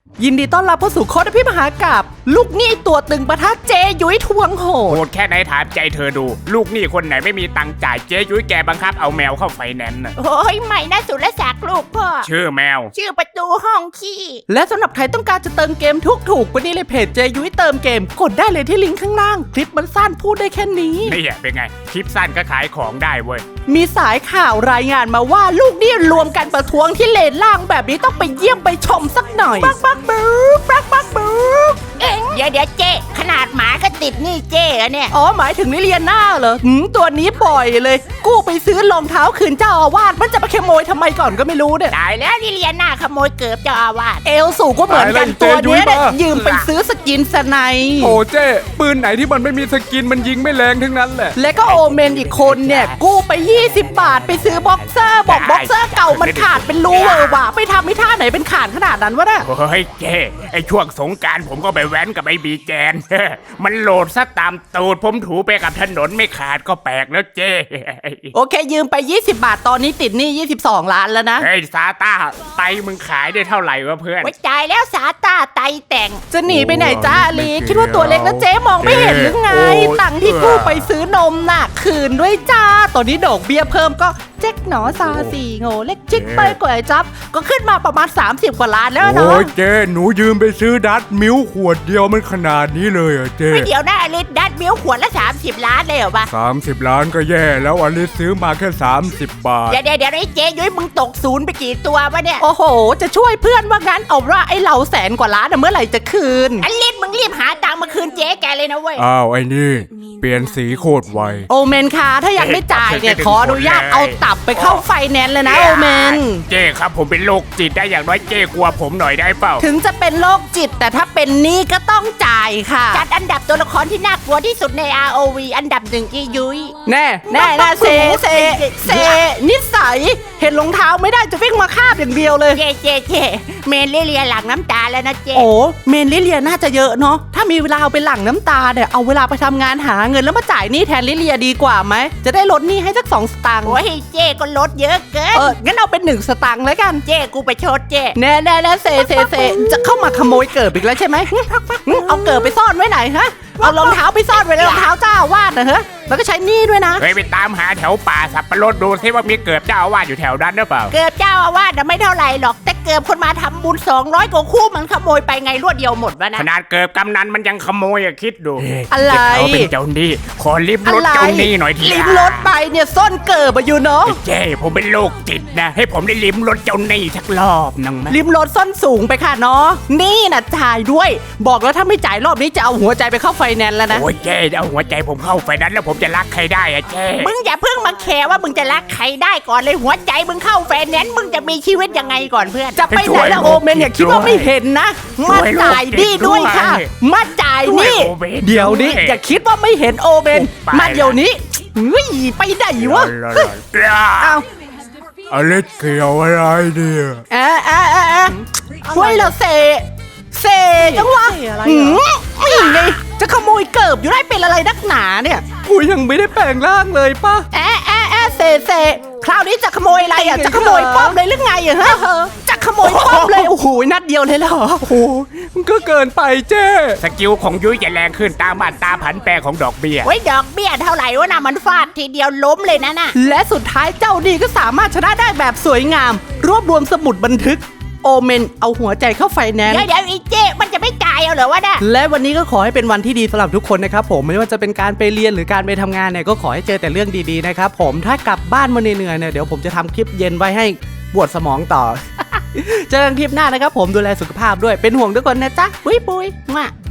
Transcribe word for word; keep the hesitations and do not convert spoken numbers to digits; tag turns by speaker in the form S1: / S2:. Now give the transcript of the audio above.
S1: ยินดีต้อนรับเข้าสู่โค้ดพี่มหากาพย์ลูกหนี้ตัวตึงปะทะเจยุ้ยทวงโหด
S2: โหดแค่ไหนถามใจเธอดูลูกหนี้คนไหนไม่มีตังค์จ่ายเจ๊ยุ้ยแกบังคับเอาแมวเข้าไฟแนนซ์น่ะ
S3: โอ้ยใหม่นะสุรศักดิ์ลูกพ่อ
S2: ชื่อแมว
S3: ชื่อประตูห้องขี้
S1: และสำหรับใครต้องการจะเติมเกมทุกถูกวันนี้เลยเพจเจยุ้ยเติมเกมกดได้เลยที่ลิงก์ข้างล่างคลิปมันสั้นพูดได้แค่นี้
S2: นี่เป็นไงคลิปสั้นก็ขายของได้เว้ย
S1: มีสายข่าวรายงานมาว่าลูกหนี้รวมกันประท้วงที่เลนล่างแบบนี้ต้องไปเยี่ยมไปชมสักหน่อยปักปักบึ๊กปักปักบึ๊ก
S3: เอ็งเดี๋ยวเดี๋ยวเจ๊ขนาดหมาก็ติดหนี่เจ๊อะเนี่ย
S1: อ๋อหมายถึงลิเลียน่าเหรอหืมตัวนี้บ่อยเลยกู้ไปซื้อรองเท้าคืนเจ้าอาวาสมันจะมาขโมยทำไมก่อนก็ไม่รู้เนี่ย
S3: ตายแล้วลิเลียน่าขโมยเกือบเจ้าอาวาส
S1: เอลสูก็เหมือนกันตัวเนี้ยเนี่ยยืมไปซื้อสกินสไน
S4: โอ้เจ้ปืนไหนที่มันไม่มีสกินมันยิงไม่แรงทั้งนั้นแหละ
S1: และก็โอเมนอีกคนเนี่ยกู้ไปยี่สิบบาทไปซื้อบ็อกเซอร์บอกบ็อกเซอร์เก่ามันขาดเป็นรูเวอร์ว่ะไปทำไม่ท่าไหนเป็นขาดขนาดนั้นวะเนี่ย
S2: เฮ้ยเจ๊ไอช่วงสงกรานต์ผมก็ไปแว้นกับไอบีแจน มันโหลดซะตามตูดผมถูไปกับถนนไม่ขาดก็แปลกแล้วเจ๊
S1: โอเคยืมไปยี่สิบบาทตอนนี้ติดหนี้ยี่สิบสองล้านแล้วนะ
S2: เฮ้ยซาต้าไตมึงขายได้เท่าไหร่วะเพื่อน
S3: ไว้จ่ายแล้วสาตาไตแต่ง
S1: จะหนีไปไหนจ้าอลีคิดว่าตัวเล็กแล้วเจ๊มองไม่เห็นหรือไงตังค์ที่กู้ไปซื้อนมน่ะคืนด้วยจ้าตอนนี้ดอกเบี้ยเพิ่มก็เจ๊กหนอซาสี่โง่เล็กจิ๊กไปกว่าไอ้จับก็ขึ้นมาประมาณสามสิบกว่าล้านแล้วเนาะ
S4: โอ้ยเจ้หนูยืมไปซื้อดัตมิลขวดเดียวมันขนาดนี้เลยเหรอ่ะเจ้
S3: ไม่เดี๋ยวนะอลิสดัดมิลขวดละสามสิบล้านเลยเหรอวะ
S4: สามสิบล้านก็แย่แล้วอลิซซื้อมาแค่สามสิบบาท
S3: เดี๋ยวเดี๋ยวเดี๋ยวไอ้เจ๊ยุ้ยมึงตกศูนย์ไปกี่ตัววะเนี่ย
S1: โอ้โหจะช่วยเพื่อนว่างั้นเอาว่าไอ้เราแสนกว่าล้านอะเมื่อไหร่จะคืน
S3: อลิสมึงรีบหาตังค์มาคืนเจ๊แกเลยนะเว้ย
S4: อ้าวไอ้นี่เปลี่ยนสีโคตรไว
S1: โอเมนคะถ้ายังไม่จ่ายเนี่ยขออนุญาตเอาตับไปเข้าไฟแนนซ์เลยนะโอเมน
S2: เจ๊ครับผมเป็นโรคจิตได้อย่างน้อยเจ๊กลัวผมหน่อยได้เปล่า
S1: ถึงจะเป็นโรคจิตแต่ถ้าเป็นหนี้ก็ต้องจ่ายค่ะ
S3: จัดอันดับตัวละครที่น่ากลัวที่สุดใน อาร์ โอ วี อันดับหนึ่งอียุ้ย
S1: แน่แน่แน่เซเซเซนิสัยเห็นรองเท้าไม่ได้จะวิ่งมาคาบอย่างเดียวเลย
S3: เจ๊เจ๊เจ๊เมนเลียหลังน้ำตาแล้วนะเจ๊
S1: โอ้เมนลิเลียน่าจะเยอะเนาะถ้ามีเวลาเอาไปหลั่งน้ำตาเนี่ยเอาเวลาไปทำงานหาเงินแล้วมาจ่ายหนี้แทนลิเลียดีกว่าไหมจะได้ลดหนี้ให้สักสองสตางค์
S3: โอ้ยเจ๊ก็ลดเยอะเกิน
S1: เอองั้นเอาเป็นหนึ่งสตางค์แล้วกัน
S3: เจ๊กูไปชดเจ๊
S1: แน่แน่แน่เซเซเซจะเข้ามาขโมยเกิดอีกแล้วใช่ไหมเอาเกิดไปซ่อนไว้ไหนฮะเอารองเท้าไปซ่อนไว้ในรองเท้าเจ้าอาวาสนะฮะแล้วก็ใช้หนี้ด้วยนะ
S2: เฮ้ยไปตามหาแถวป่าสับปะรดดูซิว่ามีเกิดเจ้าอาวาสอยู่แถวนั้นหรือเปล่า
S3: เกือบเจ้าอาวาสน่ะไม่เท่าไหร่หรอกแต่เกือบคนมาทำบุญสองร้อยกว่าคู่มันขโมยไปไงรวดเดียวหมดวะนะ
S2: ขนาดเกิดกำนันมันยังขโมยอะคิดดู
S1: อะไร
S2: เขาเป็นเจ้าหนี้ขอลิฟต์รถเจ้าหนี้หน่อยที
S1: ลิ้มรถไปเนี่ยซ่อนเกิดมาอยู่เนาะ
S2: เจ้ผมเป็นโรคจิตนะให้ผมได้ลิ้มรถเจ้าหนี้สักรอบนึงไหม
S1: ลิ้มรถส้นสูงไปค่ะเนาะนี่นะจ่ายด้วย บอกแล้วถ้าไม่จ่ายรอบนี้จะเอาหัวใจไปเข้าไฟแนนซ์แล้วนะ
S2: โอ้ยเจ้เอาหัวใจผมเข้าไฟนั้นแล้วผมจะรักใครได้อะเจ้
S3: มึงอย่าเพิ่งมาแคร์ว่ามึงจะรักใครได้ก่อนเลยหัวใจมึงเข้าแฟนแนนซ์มึงจะมีชีวิตยังไงก่อนเพื่อน
S1: จะไปไหนละโอเมนอย่าคิดว่าไม่เห็นนะมาจ่ายหนี่ด้วยค่ะมาจ่ายหนี่เดี๋ยวนี้อย่าคิดว่าไม่เห็นโอเมนมาเดี๋ยวนี้เฮ้ยไปไหนวะเอา
S4: อลิซเกี่ยวอะไรเนี่ย
S1: อ่าอ่าอ่าอ่าช่วยเราเซเซจังวะหืมนี่ไงจะขโมยเกิบอยู่ได้เป็นอะไรนักหนาเนี่ยกูยังไม่ได้แปลงร่างเลยป่ะแอะแอะแอะเซเซคราวนี้จะขโมยอะไรอ่ะจะขโมยป้อมเลยหรือไงอะฮะจะขโมยป้อมเลยโอ้โหนัดเดียวเลยเหรอโอ้โห
S4: มันก็เกินไปเจ้
S2: สกิลของยุ้ยจะแรงขึ้นตามอัตราผันแปรของดอกเบี้ย
S3: ไว้ดอกเบี้ยเท่าไหร่วะนะมันฟาดทีเดียวล้มเลยนะน่ะ
S1: และสุดท้ายเจ้าดีก็สามารถชนะได้แบบสวยงาม รวบรวมสมุดบันทึกโอเมนเอาหัวใจเข้าไฟแนนซ์
S3: เดี๋ยวเดี๋ยวอีเจ๊มันจะไม่จ่ายเอาเหรอวะน่ะ
S1: และวันนี้ก็ขอให้เป็นวันที่ดีสำหรับทุกคนนะครับผมไม่ว่าจะเป็นการไปเรียนหรือการไปทำงานเนี่ยก็ขอให้เจอแต่เรื่องดีๆนะครับผมถ้ากลับบ้านมาเหนื่อยๆเนี่ยเดี๋ยวผมจะทำคลิปเย็นไว้ให้ปวดสมองต่อ เจอกันคลิปหน้านะครับผมดูแลสุขภาพด้วยเป็นห่วงทุกคนนะจ๊ะปุ้ยปุ้ยมา